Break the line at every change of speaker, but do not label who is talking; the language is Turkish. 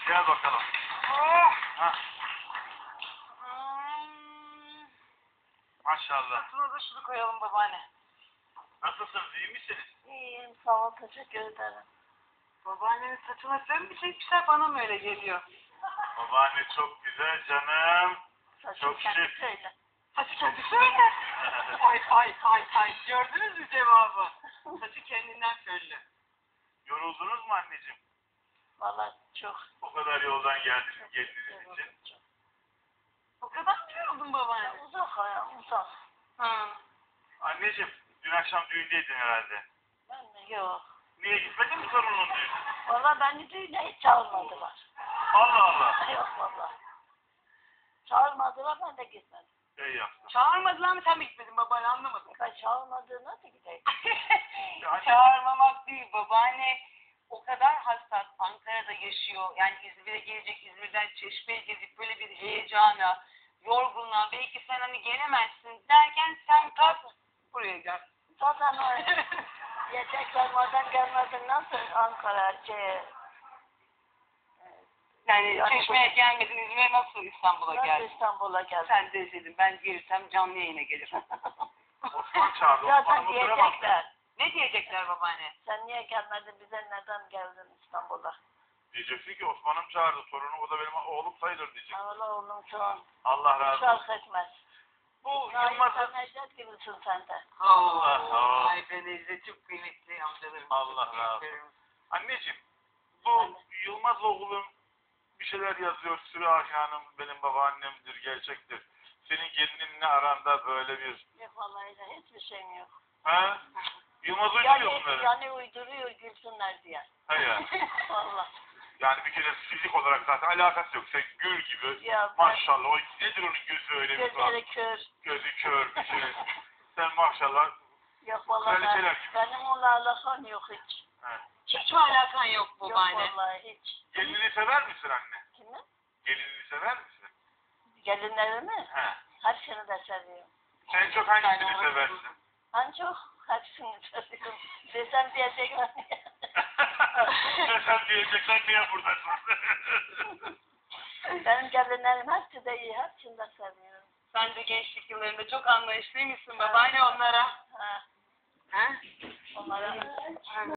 Gel bakalım. Oh. Ha. Maşallah.
Altına da şunu koyalım babaanne.
Nasılsınız? İyi misiniz?
İyiyim, sağ ol, teşekkür ederim.
Babaannenin saçına sen mi çekmişler, bana mı öyle geliyor?
Babaanne çok güzel canım.
Saçım
Çok
kendi
şık.
söyle.
Saçı kendisi öyle. Ay. Gördünüz mü cevabı? Saçı kendinden söyle.
Yoruldunuz mu anneciğim?
Vallahi çok.
O kadar yoldan geldiniz geldiğiniz için.
O kadar mı yoruldun babaanne?
Uzak ayağım, uzak.
Ha.
Anneciğim, dün akşam düğündeydin herhalde.
Ben de yok.
Niye gitmedin mi torunun düğünü?
Vallahi beni düğüne hiç çağırmadılar.
Allah Allah.
Yok vallahi. Çağırmadılar, ben de gitmedim.
İyi yaptın.
Çağırmadılar mı, sen mi gitmedin babaanne, anlamadım.
Ben çağırmadığına da gideyim.
Çağırmamak değil babaanne. O kadar hassas, Ankara'da yaşıyor. Yani İzmir'e gelecek, İzmir'den Çeşme'ye gezip böyle bir heyecana, yorgunluğa, belki sen hani gelemezsin derken sen kalk buraya gel.
Zaten o yiyecekler madem gelmedin, nasıl Ankara,
Yani Çeşme'ye gelmedin, İzmir'e nasıl İstanbul'a
nasıl
geldin?
İstanbul'a geldin?
Sen de dedim, ben gelirsem canlı yayına gelirim.
Osman çağırdı.
Zaten
Osman'ı oturamam.
diyecekler.
Ne diyecekler babaanne?
Sen niye gelmedin, bize neden geldin İstanbul'a?
Diyeceksin ki Osman'ım çağırdı. Torunu o da benim oğlum sayılır diyecek.
Allah oğlum şu an
Allah razı olsun.
şark etmez.
Bu
Nail
Yılmaz'ın...
Necdet gibisin sen de.
Allah.
Ay ben Ezde çok kıymetli amcalarım.
Allah razı olsun. Anneciğim, bu Yılmaz oğlum bir şeyler yazıyor. Sürahi Hanım benim babaannemdir, gerçektir. Senin gelininle aranda böyle bir...
Yok vallahi de hiçbir şeyim yok.
Ha? Yılmaz uyduruyor bunları.
Yani uyduruyor gülsünler diye.
Ha ya.
Vallahi.
Yani bir kere fizik olarak zaten alakası yok. Sen gül gibi.
Ya ben-
Maşallah. O nedir onun gözü öyle bir
Gözleri kör.
Gözü kör bir şey. Sen maşallah.
Yok vallahi
Kraliçeler gibi.
benim onunla alakam yok hiç.
He.
Hiç mi alakan yok
Yok
babaanne?
vallahi hiç.
Gelinini sever misin anne?
Kimi?
Gelinini sever misin?
Gelinlerimi?
He.
Hepsini de seviyorum.
En çok hangisini seversin?
Ben çok hepsini seviyorum. Desem diyecekler.
Sen diyeceksen niye buradasın?
Benim gelinlerim hepsi de iyi. Hepsini de seviyorum.
Sen de gençlik yıllarında çok anlayışlıymışsın babaanne onlara.
Ha,
Ha?
onlara